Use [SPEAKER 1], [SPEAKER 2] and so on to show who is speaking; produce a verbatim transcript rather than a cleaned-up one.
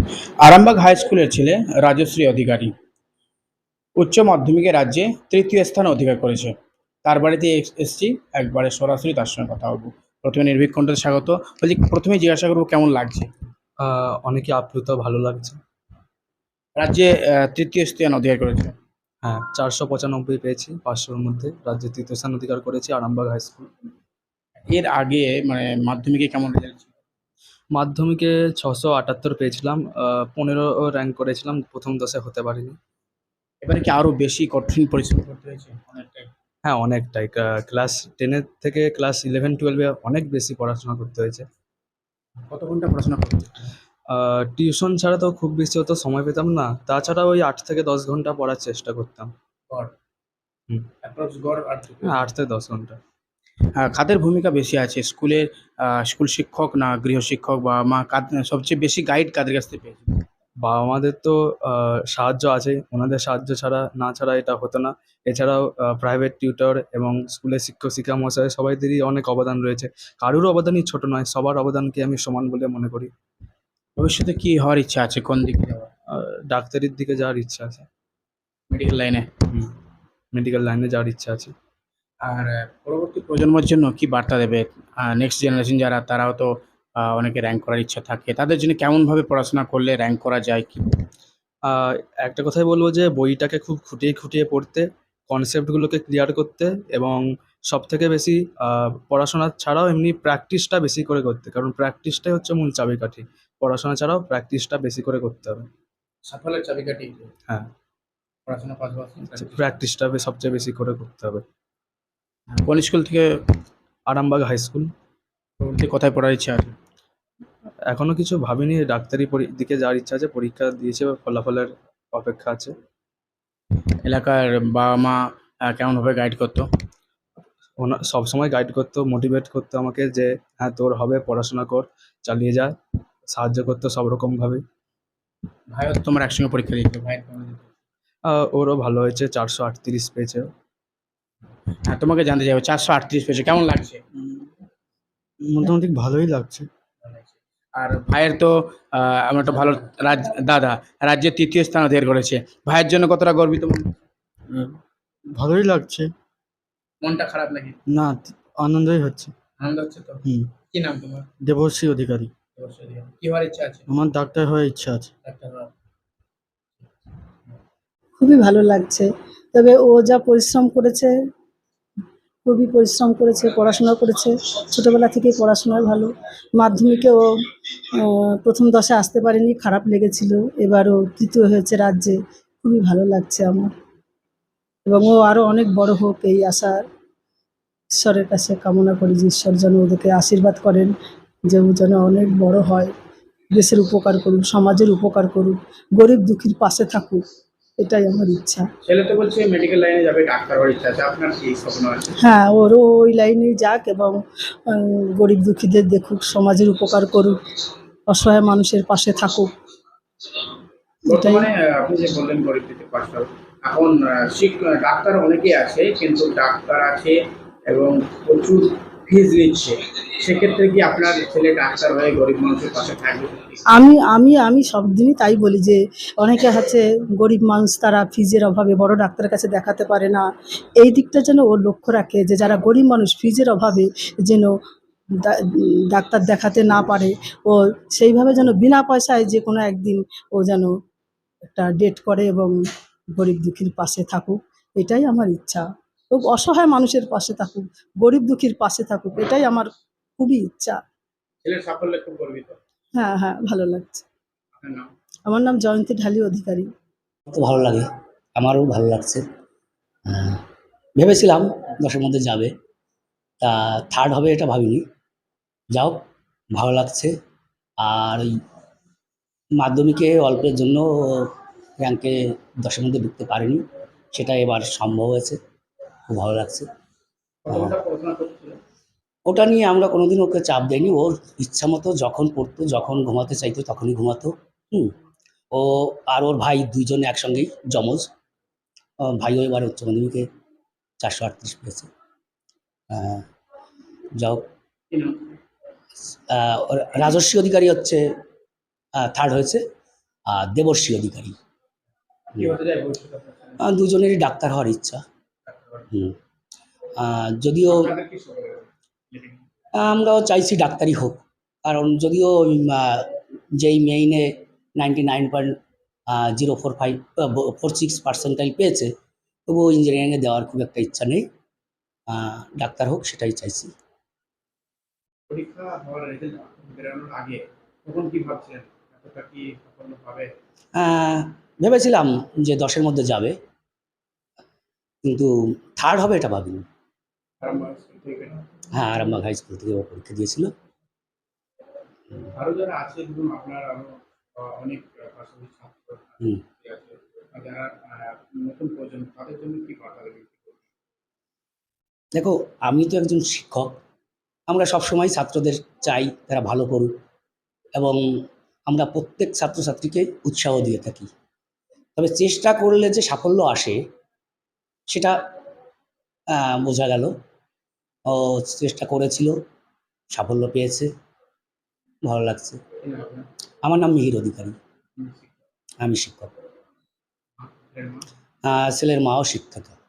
[SPEAKER 1] Arambagh high স্কুলের ছেলে রাজশ্রী অধিকারী উচ্চ মাধ্যমিকে রাজ্যে তৃতীয় স্থান অধিকার করেছে। তার বাড়িতে এস- এসছি, একবারে সরাসরি তার সঙ্গে কথা বলবো। প্রথমে নির্ভীক কণ্ঠে স্বাগত। বলছি, প্রথমে জিজ্ঞাসা করবো কেমন লাগছে
[SPEAKER 2] আহ অনেকই আপ্লুত, ভালো লাগছে।
[SPEAKER 1] রাজ্যে আহ, তৃতীয় স্থান অধিকার করেছে।
[SPEAKER 2] হ্যাঁ, চারশো পঁচানব্বই পেয়েছি, পাঁচশোর মধ্যে রাজ্যে তৃতীয় স্থান অধিকার করেছি আরামবাগ হাই স্কুল।
[SPEAKER 1] এর আগে মানে মাধ্যমিকে কেমন রেজাল্ট ছিল?
[SPEAKER 2] মাধ্যমিকে ছশো আটাত্তর পেয়েছিলাম, আহ, পনেরো র্যাঙ্ক করেছিলাম, প্রথম দশে হতে পারিনি।
[SPEAKER 1] এবারে কি আরো বেশি কঠিন পরিশ্রম করতে হয়েছে অনেকটাই?
[SPEAKER 2] হ্যাঁ, অনেকটাই। ক্লাস টেনের থেকে ক্লাস ইলেভেন টুয়েলভে অনেক বেশি পড়াশোনা করতে হয়েছে।
[SPEAKER 1] কত ঘন্টা পড়াশোনা করতে হয়েছে?
[SPEAKER 2] টিউশন ছাড়া তো খুব বেশি অত সময় পেতাম না, তাছাড়া ওই আট থেকে দশ ঘন্টা পড়ার চেষ্টা করতাম।
[SPEAKER 1] গড়
[SPEAKER 2] হুম।
[SPEAKER 1] অ্যাপ্রক্স গড় আর কি?
[SPEAKER 2] হ্যাঁ, আট থেকে দশ ঘন্টা।
[SPEAKER 1] আহ, কাদের ভূমিকা বেশি আছে স্কুলের? আহ, স্কুল শিক্ষক না গৃহশিক্ষক বা মা, কাদ- সবচেয়ে বেশি গাইড কাদের কাছ থেকে পেয়েছে?
[SPEAKER 2] বাবা মাদের তো আহ, সাহায্য আছে, ওনাদের সাহায্য ছাড়া না ছাড়া এটা হতো না। এছাড়াও প্রাইভেট টিউটর এবং স্কুলের শিক্ষক শিক্ষা মহাশয় সবাইদেরই অনেক অবদান রয়েছে। কারোর অবদানই ছোট নয়, সবার অবদানকে আমি সমান বলে মনে করি।
[SPEAKER 1] ভবিষ্যতে কি হওয়ার ইচ্ছা আছে, কোন দিকে যাওয়ার?
[SPEAKER 2] আহ, ডাক্তারির দিকে যাওয়ার ইচ্ছা আছে।
[SPEAKER 1] মেডিকেল লাইনে?
[SPEAKER 2] হুম। মেডিকেল লাইনে যাওয়ার ইচ্ছা আছে।
[SPEAKER 1] আর আহ, পরবর্তী প্রজন্মের জন্য কি বার্তা দেবে? নেক্সট জেনারেশন যারা, তারাও তো আহ, অনেকে র্যাঙ্ক করার ইচ্ছা থাকে, তাদের জন্য কেমন ভাবে পড়াশোনা করলে র্যাঙ্ক করা যায় কি?
[SPEAKER 2] আহ, একটা কথাই বলবো যে বইটাকে খুব খুঁটিয়ে খুঁটিয়ে পড়তে, কনসেপ্টগুলোকে ক্লিয়ার করতে, এবং সব থেকে বেশি আহ, পড়াশোনা ছাড়াও এমনি প্র্যাকটিসটা বেশি করে করতে, কারণ প্র্যাকটিসটাই হচ্ছে মূল চাবিকাঠি। পড়াশোনা ছাড়াও প্র্যাকটিসটা বেশি করে করতে হবে।
[SPEAKER 1] সাফল্যের চাবিকাঠি
[SPEAKER 2] হ্যাঁ,
[SPEAKER 1] পড়াশোনার পাশাপাশি practice।
[SPEAKER 2] প্র্যাকটিসটা সবচেয়ে বেশি করে করতে হবে।
[SPEAKER 1] কোন স্কুল থেকে
[SPEAKER 2] আরামবাগ হাই স্কুল।
[SPEAKER 1] পরবর্তী কোথায় পড়ার ইচ্ছা আছে?
[SPEAKER 2] এখনো কিছু ভাবিনি, ডাক্তারি পরি- দিকে যাওয়ার ইচ্ছা আছে, পরীক্ষা দিয়েছে, ফলাফলের অপেক্ষা আছে।
[SPEAKER 1] এলাকার বাবা মা আহ, কেমন ভাবে গাইড করতো?
[SPEAKER 2] ওনা সবসময় গাইড করতো, মোটিভেট করতো আমাকে যে হ্যাঁ তোর হবে, পড়াশোনা কর, চালিয়ে যা, সাহায্য করতো সব রকমভাবে।
[SPEAKER 1] ভাইও তো তোমার একসঙ্গে পরীক্ষা দিয়েছে, ভাই কেমন দিত?
[SPEAKER 2] আহ, ওরও ভালো হয়েছে, চারশো আটত্রিশ পেয়েছে।
[SPEAKER 1] হ্যাঁ, তোমাকে জানতে চাইবো, চারশো আটত্রিশ পেয়েছে, কেমন লাগছে?
[SPEAKER 2] উম, মোটামুটি ভালোই লাগছে।
[SPEAKER 1] আর ভাইয়ের তো আহ, আমার একটা ভালো রাজ দাদা রাজ্যের তৃতীয় স্থান অধিকার করেছে। ভাইয়ের জন্য কতটা গর্বিত মনে হচ্ছে?
[SPEAKER 2] উম, ভালোই লাগছে।
[SPEAKER 1] মনটা খারাপ নাকি?
[SPEAKER 2] না, আনন্দই হচ্ছে।
[SPEAKER 1] আনন্দ হচ্ছে তো?
[SPEAKER 2] হুম।
[SPEAKER 1] কি নাম তোমার?
[SPEAKER 2] দেবশ্রী অধিকারী।
[SPEAKER 1] অবশ্যই। কি হওয়ার ইচ্ছা আছে?
[SPEAKER 2] আমার ডাক্তার হওয়ার ইচ্ছা আছে।
[SPEAKER 1] ডাক্তার হওয়ার।
[SPEAKER 3] খুবই ভালো লাগছে। তবে ও যা পরিশ্রম করেছে, খুবই পরিশ্রম করেছে, পড়াশোনা করেছে। ছোটবেলা থেকেই পড়াশোনায় ভালো। মাধ্যমিকে ও আহ, প্রথম দশে আসতে পারেনি, খারাপ লেগেছিল। এবারও তৃতীয় হয়েছে রাজ্যে। খুবই ভালো লাগছে আমার। এবং ও আরও অনেক বড় হোক, এই আশা ঈশ্বরের কাছে কামনা করি যে ঈশ্বর যেন ওদেরকে আশীর্বাদ করেন, যে ও যেন অনেক বড় হয়, দেশের উপকার করুক, সমাজের উপকার করুক, গরিব দুঃখীর পাশে থাকুক। এটাই আমার ইচ্ছা।
[SPEAKER 1] ছেলে তো বলছে মেডিকেল লাইনে যাবে, ডাক্তার হওয়ার ইচ্ছা আছে, আপনার কি স্বপ্ন আছে?
[SPEAKER 3] হ্যাঁ, ওরও ওই লাইনেই যাক এবং উম, গরিব দুঃখীদের দেখুক, সমাজের উপকার করুক, অসহায় মানুষের পাশে থাকুক। এটাই।
[SPEAKER 1] বর্তমানে আহ, আপনি যে বললেন গরিব থেকে পাঁচশো, এখন আহ, শিক- ডাক্তার অনেকেই আছে, কিন্তু ডাক্তার আছে এবং প্রচুর ফিজ নিচ্ছে। সেক্ষেত্রে কি আপনার ছেলে ডাক্তার হয়ে গরিব মানুষের পাশে থাকবে?
[SPEAKER 3] আমি আমি আমি সব দিনই তাই বলি যে অনেকে আছে গরিব মানুষ, তারা ফিজের অভাবে বড় ডাক্তারের কাছে দেখাতে পারে না। এই দিকটা যেন ও লক্ষ্য রাখে যে যারা গরিব মানুষ ফিজের অভাবে যেন ডা- ডাক্তার দেখাতে না পারে, ও সেইভাবে যেন বিনা পয়সায় যে কোনো একদিন ও যেন একটা ডেট করে এবং গরিব দুঃখীর পাশে থাকুক। এটাই আমার ইচ্ছা। খুব অসহায় মানুষের পাশে থাকুক, গরিব দুঃখীর পাশে থাকুক, এটাই আমার খুবই ইচ্ছা।
[SPEAKER 1] ছেলের সাফল্যে খুব গর্বিত।
[SPEAKER 3] হ্যাঁ, হ্যাঁ, ভালো লাগছে।
[SPEAKER 1] আপনার নাম?
[SPEAKER 3] আমার নাম জয়ন্তী ঢালি অধিকারী।
[SPEAKER 4] তো ভালো লাগে, আমারও ভালো লাগছে। আহ, ভেবেছিলাম দশের মধ্যে যাবে, তা থার্ড হবে এটা ভাবিনি। যাও, ভালো লাগছে। আর ওই মাধ্যমিকে অল্পের জন্য র্যাঙ্কে দশের মধ্যে ঢুকতে পারিনি, সেটা এবার সম্ভব হয়েছে, খুব ভালো লাগছে।
[SPEAKER 1] কত
[SPEAKER 4] আহ,
[SPEAKER 1] ঘন্টা পড়াশোনা করছিল?
[SPEAKER 4] ওটা নিয়ে আমরা কোনোদিন ওকে চাপ দেয়নি, ওর ইচ্ছা মতো যখন পড়তো, যখন ঘুমাতে চাইতো তখনই ঘুমাতো। হুম। ও আর ওর ভাই দুইজন একসঙ্গেই যমজ। আহ, ভাইও এবার উচ্চ মাধ্যমিকে চারশো আটত্রিশ পেয়েছে। আহ, যাও।
[SPEAKER 1] কি নাম?
[SPEAKER 4] আহ, ওর রাজস্বী অধিকারী হচ্ছে থার্ড হয়েছে, আর দেবর্ষী অধিকারী।
[SPEAKER 1] কি হতে চায় ভবিষ্যতে আপনার ছেলে?
[SPEAKER 4] আহ, দুজনেরই ডাক্তার হওয়ার ইচ্ছা। হুম। আহ, যদিও
[SPEAKER 1] আপনাদের কি শখ?
[SPEAKER 4] আমরাও চাইছি ডাক্তারই হোক, কারণ যদিও উম, আহ, যেই মেইনে ninety nine point zero four five four six percentile পেয়েছে, তবুও ইঞ্জিনিয়ারিংয়ে দেওয়ার খুব একটা ইচ্ছা নেই। আহ, ডাক্তার হোক সেটাই চাইছি।
[SPEAKER 1] পরীক্ষা হওয়ার রেজাল্ট বেরোনোর আগে তখন কি ভাবছিলেন এতটা কি সাফল্য পাবে?
[SPEAKER 4] আহ, ভেবেছিলাম যে দশের মধ্যে যাবে, কিন্তু থার্ড হবে এটা ভাবিনি।
[SPEAKER 1] আরামবাগ স্কুল থেকে
[SPEAKER 4] হ্যাঁ, আরামবাগ হাই স্কুল থেকে ও পরীক্ষা দিয়েছিল।
[SPEAKER 1] আরো যারা আছে ধরুন আপনার আরো আহ, অনেক আহ, পাশাপাশি ছাত্র
[SPEAKER 4] হুম।
[SPEAKER 1] আছে আর যারা আহ, নতুন প্রজন্ম তাদের জন্য কি বার্তা দেবেন?
[SPEAKER 4] দেখো, আমি তো একজন শিক্ষক। আমরা সবসময় ছাত্রদের চাই তারা ভালো করুক, এবং আমরা প্রত্যেক ছাত্রছাত্রীকে উৎসাহ দিয়ে থাকি। তবে চেষ্টা করলে যে সাফল্য আসে সেটা আহ, বোঝা গেল। ও চেষ্টা করেছিল, সাফল্য পেয়েছে, ভালো লাগছে।
[SPEAKER 1] কি নাম আপনার?
[SPEAKER 4] আমার নাম মিহির অধিকারী,
[SPEAKER 1] আপনি শিক্ষক।
[SPEAKER 4] আমি শিক্ষক।
[SPEAKER 1] ছেলের মা?
[SPEAKER 4] আহ, ছেলের মাও শিক্ষিকা।